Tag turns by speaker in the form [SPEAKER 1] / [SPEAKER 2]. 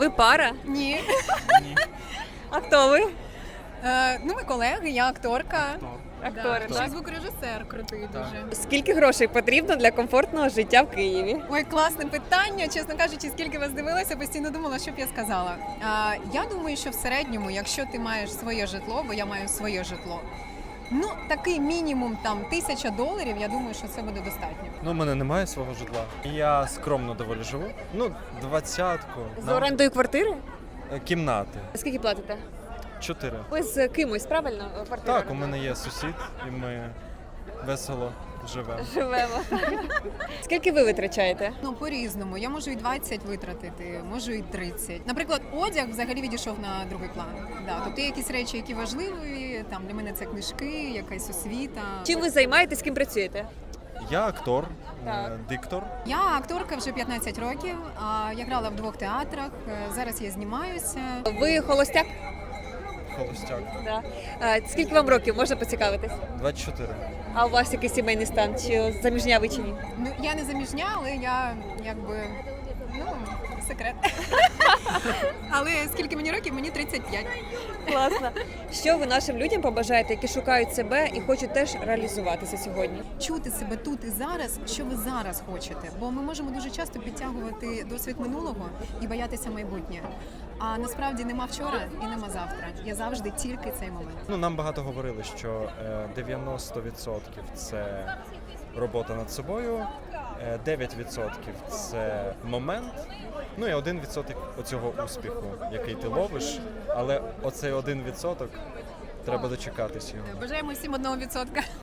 [SPEAKER 1] Ви пара?
[SPEAKER 2] Ні.
[SPEAKER 1] А хто ви?
[SPEAKER 2] Ми колеги, я акторка.
[SPEAKER 1] Актори,
[SPEAKER 2] Ще
[SPEAKER 1] так?
[SPEAKER 2] звукорежисер крутий дуже.
[SPEAKER 1] Скільки грошей потрібно для комфортного життя в Києві?
[SPEAKER 2] Ой, класне питання. Чесно кажучи, скільки вас дивилася, постійно думала, що б я сказала. Я думаю, що в середньому, якщо ти маєш своє житло, бо я маю своє житло, такий мінімум там $1000, я думаю, що це буде достатньо.
[SPEAKER 3] У мене немає свого житла. Я скромно доволі живу. 20-ку.
[SPEAKER 1] З орендою квартири?
[SPEAKER 3] Кімнати.
[SPEAKER 1] Скільки платите?
[SPEAKER 3] 4.
[SPEAKER 1] Ви з кимось, правильно? Квартиру
[SPEAKER 3] Так, у мене є сусід, і ми весело живемо.
[SPEAKER 1] живемо. Скільки ви витрачаєте?
[SPEAKER 2] По-різному. Я можу і 20 витратити, можу і 30. Наприклад, одяг взагалі відійшов на другий план. Тобто є якісь речі, які важливі. Там для мене це книжки, якась освіта.
[SPEAKER 1] Чим ви займаєтесь, ким працюєте?
[SPEAKER 3] Я актор,
[SPEAKER 1] Так.
[SPEAKER 3] диктор.
[SPEAKER 2] Я акторка вже 15 років. Я грала в 2 театрах. Зараз я знімаюся.
[SPEAKER 1] Ви холостяк?
[SPEAKER 3] Холостяк.
[SPEAKER 1] Да. Скільки вам років, можна поцікавитись?
[SPEAKER 3] 24.
[SPEAKER 1] А у вас який сімейний стан? Чи заміжня ви чи ні?
[SPEAKER 2] Я не заміжня, але я секрет. Але скільки мені років? Мені 35.
[SPEAKER 1] Класно. Що ви нашим людям побажаєте, які шукають себе і хочуть теж реалізуватися сьогодні?
[SPEAKER 2] Чути себе тут і зараз, що ви зараз хочете. Бо ми можемо дуже часто підтягувати досвід минулого і боятися майбутнє. А насправді нема вчора і нема завтра. Є завжди тільки цей момент.
[SPEAKER 3] Нам багато говорили, що 90% це робота над собою, 9% це момент, і 1% оцього успіху, який ти ловиш, але оцей 1% треба дочекатись його.
[SPEAKER 2] Бажаємо всім 1%.